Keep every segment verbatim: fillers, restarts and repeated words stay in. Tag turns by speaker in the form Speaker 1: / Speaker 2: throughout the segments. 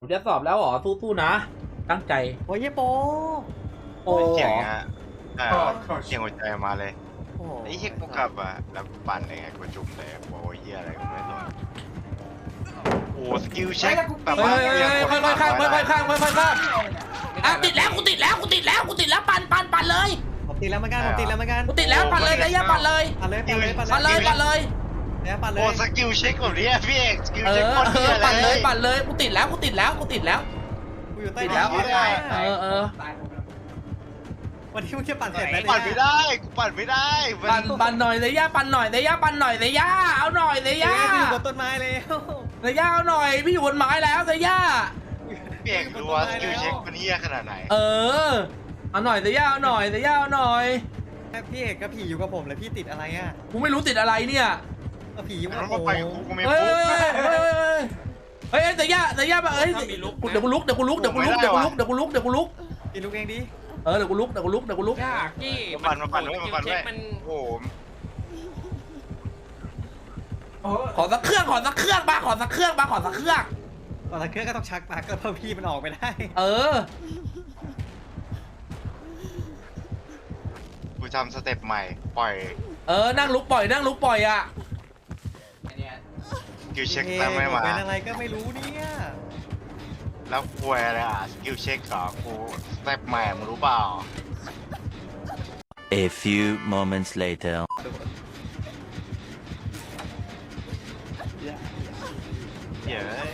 Speaker 1: คุณจะสอบแล้วเหรอสู้ๆนะตั้งใจ
Speaker 2: โอ้ยเยโป
Speaker 1: โอ้
Speaker 3: เสียงอ่ะเออเสียงหัวใจมาเลยไอ้เหี้ยกูกลับอ่ะแล้วปั่นยังไงกูจุ่มเลยโอ้ยเหี้ยอะไรกูไม่สนโอ้สกิลเช็คแบบว่า
Speaker 1: ค่อยๆข้ามค่อยๆข้ามค่อยๆข้ามอ่ะติดแล้วกูติดแล้วกูติดแล้วกูติดแล้วปั่นปั่นปั่นเลย
Speaker 2: ผมติดแล้วเหมือนกันผมติดแล้วเหมือนกัน
Speaker 1: กูติดแล้วปั่นเลยระยะปั่นเลย
Speaker 2: ปั่นเลยปั่นเลยปั่น
Speaker 1: ปั่นเลยปั่นเลย
Speaker 2: แล้วปั่นเลย
Speaker 3: โอ้สกิลเช็คแบบนี้พี่เอกสกิล
Speaker 1: เอ
Speaker 3: เช็ค
Speaker 1: อ
Speaker 3: คน
Speaker 1: เอ
Speaker 3: เหี้
Speaker 1: อย
Speaker 3: อะไร
Speaker 1: ปั่นเลยปั่นเลยกูติดแล้วกูติดแล้วกูติดแล้ว
Speaker 2: กูอยู่ใต้
Speaker 1: ติดแล้วเออเออ
Speaker 2: วันที่มึงจะปั่นเสร็จไหม
Speaker 3: ปั่นไม่ได้กูปั่นไม่ได้
Speaker 1: ปั่นปั่นหน่อยระยะปั่นหน่อยระยะปั่นหน่อยระยะเอาหน่อยระยะ
Speaker 2: อยู่บนต้นไม้แล้ว
Speaker 1: ระยะเอาหน่อยพี่อยู่บนไม้แล้วระยะ
Speaker 3: พี่เอกรู้ว่าสกิลเช็คมันเหี้ยขนาดไหน
Speaker 1: เออเอาหน่อยระยะเอาหน่อยระยะเอาหน่อย
Speaker 2: พี่เอกกับผีอยู่กับผมเลยพี่ติดอะไรอ่ะ
Speaker 1: กูไม่รู้ติดอะไรเนี่ย
Speaker 2: ผีอยู่กับผ
Speaker 3: มัน
Speaker 2: ม
Speaker 3: ไปกูกูไม่
Speaker 1: เฮ้ย
Speaker 3: ปุ๊บ
Speaker 1: เฮ้ยเฮ้ยเฮ้ยแต่ย่าแต่ย่าแบบเฮ้ยเดี๋ยวกูลุกเดี๋ยวกูลุกเดี๋ยวกูลุกเดี๋ยวกูลุกเดี๋ยวกูลุกเดี๋ยวกูลุก
Speaker 2: กินลูกเองดิ
Speaker 1: เออเดี๋ยวกูลุกเดี๋ยวกูลุกเดี๋ยวกูลุก
Speaker 4: ยากที่
Speaker 3: มาปั่นมาปั่นด้วยมาปั่นด้วยโอ้โห
Speaker 1: ขอสักเครื่องขอสักเครื่องมาขอสักเครื่องมาขอสักเครื่อง
Speaker 2: ตอนนั้นเครื่องก็ต้องชักปากก็เพิ่มพี่มันออกไปได้
Speaker 1: เออ
Speaker 3: กูทำสเต็ปใหม่ปล่อย
Speaker 1: เออนั่งลุกปล่อยนั่งลุกปล่อยอ่ะ
Speaker 3: สกิลเช็คตั้งไม่มา
Speaker 2: เป็นอะไรก็ไม่รู้เนี่ย
Speaker 3: แล้วป่วยอะไรอ่ะสกิลเช็คเหรอกูสเต็ปใหม่มึงรู้เปล่า
Speaker 5: A few moments later
Speaker 3: เย้ย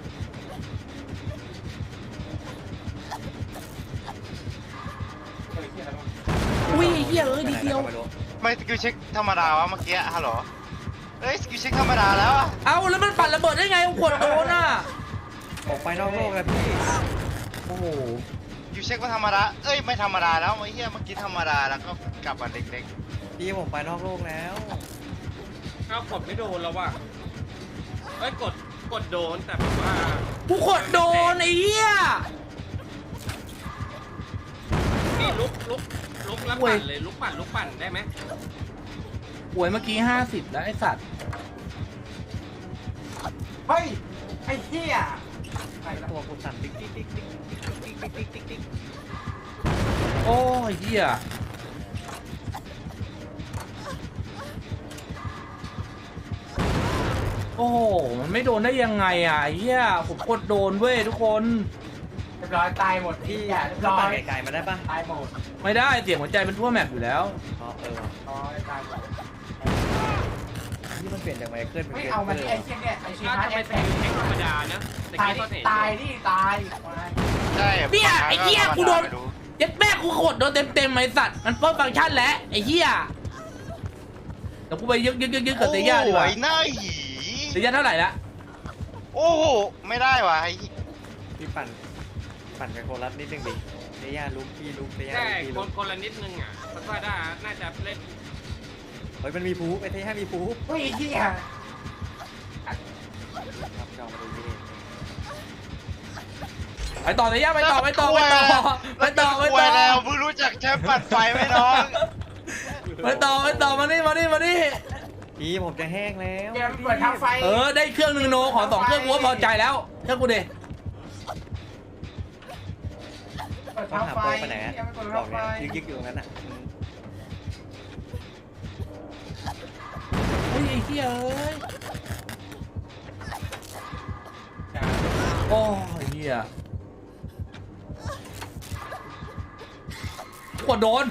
Speaker 1: อุ้ยเหี้ยเอ้ยดีเดียว
Speaker 3: ไม่สกิลเช็คธรรมดาวะเมื่อกี้ฮัลโหลเอ้ยสกิลเช็คธรรมดาแล้วอะ
Speaker 1: เอาแล้วมันปั่นระเบิดได้ไงขวดโดนอ่ะ
Speaker 2: ออกไปนอกโลกแล้วพี่
Speaker 1: โอ้โห
Speaker 3: สกิลเช็คก็ธรรมดาเอ้ยไม่ธรรมดาแล้วไอ้เหี้ยเมื่อกี้ธรรมดาแล้วก็กลับมาเด็ก
Speaker 2: ๆพี่ผมไปนอกโลกแล้ว
Speaker 4: เอากดไม่โดนแล้วว่ะเอ้ยกดกดโดนแต่แบบว่า
Speaker 1: กูขวดโดนไอ้เหี้ย
Speaker 4: นี่ลุกลุกลุกแล้วปั่นเลยลุกปั่นลุกปั่นได้ไหม
Speaker 1: ป่วยเมื่อกี้ห้าสิบแล้วไอ้สัตว์
Speaker 2: เฮ้ยไอ้เหี้ยไอ้ตัวกูสั่นติ๊กติ๊กติ๊กติ๊กติ๊กติ๊กติ๊กติ๊กติ๊ก
Speaker 1: โอ้ยเหี้ยโอ้โหมันไม่โดนได้ยังไงอ่ะเหี้ยผมกดโดนเว้ยทุกคน
Speaker 2: เรียบร้อยตายหมดพี่อ่ะเรียบร้อยไก่มาได้ปะตายหมด
Speaker 1: ไม่ได้เสียงหัวใจมันทั่วแมปอยู่แล้ว
Speaker 2: อ๋อเอออ๋อตายหมดนี่มันเปลี่ยนจากไมเคิลเป็น
Speaker 6: ไม่เอามาที่ไอ้เชี่ยเนี่ยไอ้เชี่ย
Speaker 4: ถ้าจะไปเป็นเช็คธรรมดานะ
Speaker 6: ตายตายนี่ตาย
Speaker 3: ใช่
Speaker 1: เนี่ยไอ้เหี้ยกูโดนเย็ดแม่กูกดโดนเต็มเต็มไอ้สัตว์มันเพิ่มฟังก์ชันแล้วไอ้เหี้ยเดี๋ยวกูไปยึกยึกยึกยึกกับเตย่าดีกว่า
Speaker 3: โอ้ยหน้าหี
Speaker 1: เตย่าเท่าไหร่ละ
Speaker 3: โอ้โหไม่ได้ว่ะไอ้
Speaker 2: พี่ปั่นปั่นไปโคลัสนิดนึงดิเตย่าลุกพี่ลุกเตย่า
Speaker 4: ใช่
Speaker 2: พี่
Speaker 4: ค
Speaker 2: ลุ
Speaker 4: น
Speaker 2: ก
Speaker 4: คนละนิดนึงอ่ะเพราะว่าได้น่าจะเล่น
Speaker 2: เฮ้ยมันมีพูไอ้เตย่ามีพู
Speaker 6: เฮ้ยที่อ่ะ
Speaker 2: ครับจองมาดูนี่
Speaker 1: ไปต่อเตย่าไปต่อไปต่อไปต่อไปต่อไปต่อ
Speaker 3: แล้วเพิ่งรู้จักแชมป์ปั่นไฟไหมน้อง
Speaker 1: ไปต่อไปต่อมานี่มานี่มานี่
Speaker 2: พี่ผมจะแห้งแล้ว
Speaker 6: เดี๋ยวเปิดทางไฟ
Speaker 1: เออได้เครื่องหนึ่งโนขอสองเครื่องกูก็พอใจแล้วเครื่องกูเด
Speaker 6: เปิด
Speaker 2: ต้อ
Speaker 6: ทาง ง
Speaker 2: หา
Speaker 6: ไฟ
Speaker 2: โปรไปไหนอะบอกเนี่ยยึกยึกอยู่ตรงนั้นอ่ะ
Speaker 1: เฮ้ยไอ้เหี้ยเอ้ยโอ้ยเหี้ยกดโดน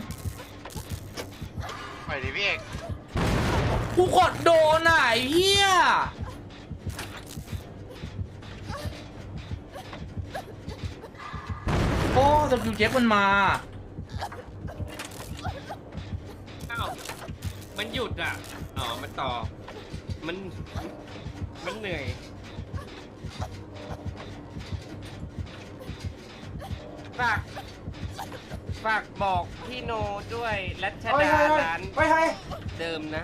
Speaker 3: ไปดิพี่เอก
Speaker 1: กูกดโดนอ่ะไอ้เหี้ยโอ้สกิลเจ็คมันมา
Speaker 4: อ้าวมันหยุดอ่ะอ๋อมันต่อมันมันเหนื่อยฝากฝากบอกพี่โนด้วยรัชดาร้านเดิมนะ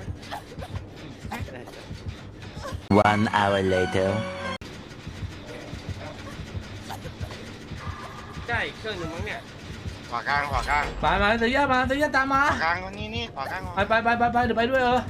Speaker 5: One hour later
Speaker 4: ใช่เครื่องหนึ่งมั้งเนี่ย
Speaker 3: ขวากลางขวากลาง
Speaker 1: มามาเตย่ามาเตย่าตามมา
Speaker 3: ขวากลางนี่นี่ขวากลาง
Speaker 1: ไปไปไปไปไปเดี๋ยวไปด้วยเออ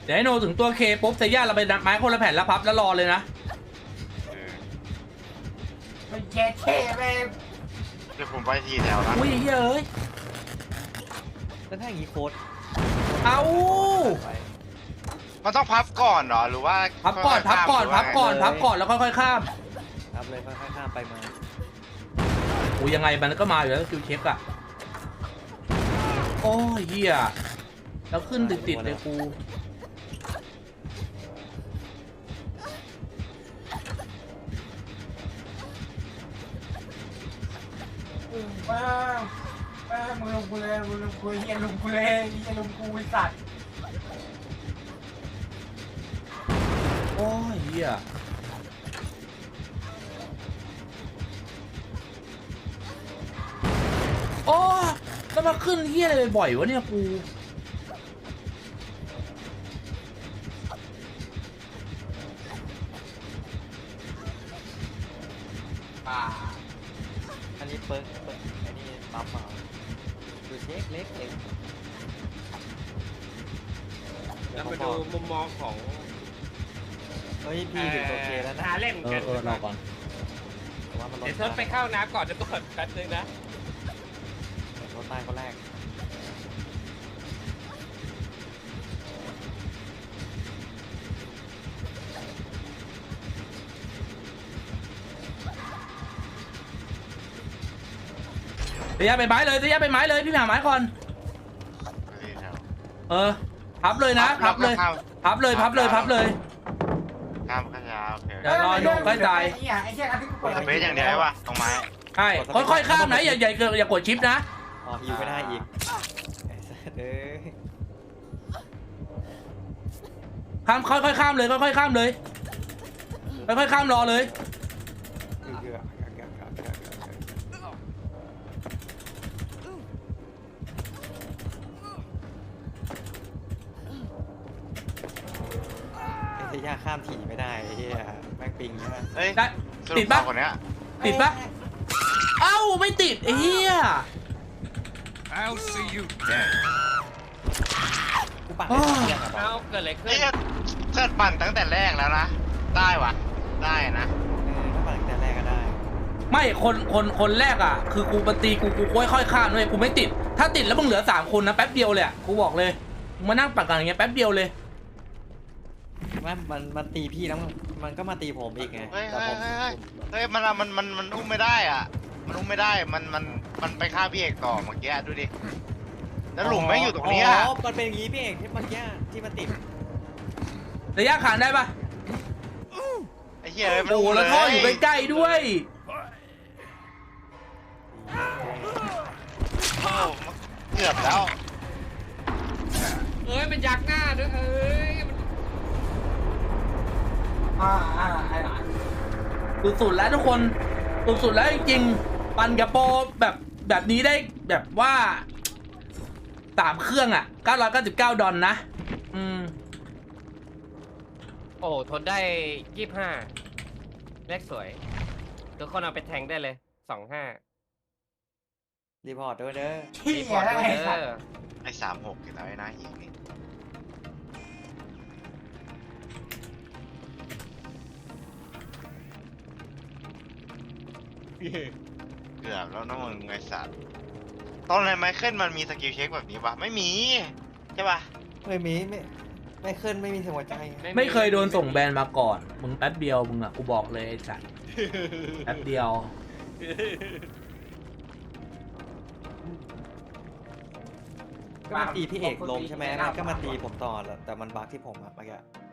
Speaker 1: เดี๋ยวให้โนถึงตัวเคปุ๊บเซย่าเราไปนับไม้คนละแผ่นแล้วพับแล้วรอเลยนะ
Speaker 3: เออ
Speaker 6: มันแย่เท่ไป
Speaker 3: เดี๋ยวผมไปทีแถวนะ
Speaker 1: อุ้ยเฮ้ย
Speaker 2: แล้วถ้าอย่างนี้โค้ด
Speaker 1: เอา
Speaker 3: มันต้องพับก่อนเหรอหรือว่า
Speaker 1: พับก่อนพับก่อนพับก่อนพับก่อนแล้วค่อยๆข้าม
Speaker 2: ครับเลยค่อยๆข้ามไปมา
Speaker 1: อุ้ยยังไงมันก็มาอยู่แล้วคิวเช็คอะโอ้ยเฮียแล้วขึ้นติดๆเลยกู
Speaker 6: ว้าวว้าวมึงลงกูเลยมึงลงกูเฮียลงกูเลยเฮียลงกูไอ้สัตว์
Speaker 1: โอ้ยเฮียโอ้แล้วมาขึ้นเฮียอะไรบ่อยๆวะเนี่ยกู
Speaker 6: ป่า
Speaker 2: อันนี้เปิร์กเปิร์กอันนี้ปั๊มมาดูเช็คเล็กเอง
Speaker 4: เราไปดูมุมมองของ
Speaker 2: เฮ้ยพี่ถึงโอเคแล้วนะ
Speaker 4: หาเล่น
Speaker 1: เอ
Speaker 4: กั
Speaker 1: อน เออรอก่อน
Speaker 2: แต่ว่ามันรถ
Speaker 4: เดี๋ยวเซิร์ฟไปเข้าน้ำก่อนจะก่อนแป๊บนึงนะ
Speaker 2: รถใต้คนแรก
Speaker 1: เสียไปไม้เลยเสียไปไม้เลยพี่ไปหาไม้ก่อน
Speaker 3: ทีแถว
Speaker 1: เออพับเลยนะพับเลย
Speaker 3: ข้าม
Speaker 1: พับเลยพับเลยพับเลย
Speaker 3: ข้ามขยาโอเค
Speaker 1: เดี๋ยวรอโยกใกล้ตาย
Speaker 6: ไอ้เหี้ยไอ้เหี้ยอันที่กู
Speaker 3: ก
Speaker 6: เปิ
Speaker 3: ด
Speaker 6: ด
Speaker 3: สเปซอย่างเดียววะตรงไม้
Speaker 1: ใช่ค่อยๆข้ามนะอย่าอย่าอย่ากดชิปนะ
Speaker 2: อ๋อฮิวไม่ได้อีกไอ้สัสเอ้ย
Speaker 1: ข้ามค่อยๆข้ามเลยค่อยๆข้ามเลยค่อยๆข้ามรอเลย
Speaker 2: คือคือไอ้เซย่าข้ามถี่ไม่ได้ไอ้เหี้ยแม่งปิงใช่ไหม
Speaker 3: เฮ้ย
Speaker 1: ได้
Speaker 3: สรุ
Speaker 1: ติดปะ
Speaker 3: ต่อคนเนี้ย
Speaker 1: ติดปะเอ้าไม่ติดไอ้เหี้ย
Speaker 7: I'll see you dead.
Speaker 2: กูปั่นได้เรื่องอะบอ
Speaker 4: เอา
Speaker 2: ล
Speaker 4: เกิดอะไรขึ้
Speaker 3: เฮ้
Speaker 4: น
Speaker 3: ยเกิดปั่นตั้งแต่แรกแล้วนะ ได้วะได้นะ
Speaker 2: เออถ้าปั่นตั้งแต่แรกก็ได้
Speaker 1: ไม่คนคนคนแรกอ่ะ คือกูปตีกูกูค่อยๆข้ามเลยกูไม่ติด ถ้าติดแล้วมึงเหลือสามคนนะแป๊บเดียวเลยอ่ะกูบอกเลยมึงมานั่งปัดกันอย่างเงี้ยแป๊บเดียวเลย
Speaker 2: ว่ามันมันตีพี่แล้วมันมันก็มาตีผมอีกไง
Speaker 3: เฮ้ย
Speaker 2: แต่
Speaker 3: เฮ้
Speaker 2: ผ
Speaker 3: ย
Speaker 2: ม
Speaker 3: เฮ้ยเฮ้ยมันอะมันมันมันอุ้มไม่ได้อ่ะ มันอุ้มไม่ได้มันมันมันไปฆ่าพี่เอกต่อเมื่อกี้ดูดิแล้วหลุมไม่งอยู่ตรงนี้
Speaker 2: อ๋
Speaker 3: อ่ะ
Speaker 2: อมันเป็นอย่างงี้พี่เอกที่เมื่อกี้ที่มันติด
Speaker 1: ระยะขานได้ปะ
Speaker 3: ไอ้เหี้ยเอ้ยมัน
Speaker 1: โอ้โห
Speaker 3: ม
Speaker 1: แล้วท่ออยู่ใกล้ๆด้วย
Speaker 3: โอ้เกือบแล้ว
Speaker 4: เอ้ยเป็นยักษ์หน้าด้วยเอ้ยมัน
Speaker 6: อ่าอ่าไอ้หลาน
Speaker 1: สุดๆแล้วทุกคนสุดๆแล้วจริงๆปันกับโปรแบบแบบนี้ได้แบบว่าสามเครื่องอ่ะเก้าร้อยเก้าสิบเก้าดอลนะอืม
Speaker 4: โอ้ทนได้ยี่สิบห้าเลขสวยทุกคนเอาไปแทงได้เลยสองห้า
Speaker 2: รีพอร์ตด้วยเด้อ
Speaker 6: เหี้
Speaker 4: รี
Speaker 6: ย
Speaker 4: พอร์ต
Speaker 6: แล้ว
Speaker 4: ด้วย
Speaker 6: ไอ้
Speaker 4: เด้
Speaker 6: สัตว์
Speaker 4: อ
Speaker 3: ไอ้สามหกเห็นแล้วไอ้หน้าหิงนี่เกือบแล้วนะมึงไอ้สัตว์ตอนไหนไมเคิลมันมีสกิลเช็คแบบนี้ปะไม่มีใช่ปะ
Speaker 2: ไม่มีไม่ไม่ขึ้นไม่มีหัวใจ
Speaker 1: ไม่เคยโดนส่งแบนมาก่อน มึงแป๊บเดียวมึงอ่ะ กูบอกเลยไอ้สัตว์แป๊บเดียว
Speaker 2: ก็มาตีพี่เอกลงใช่ไหมแล้วก็มาตีผมต่อแหละแต่มันบั๊กที่ผมอะเมื่อกี้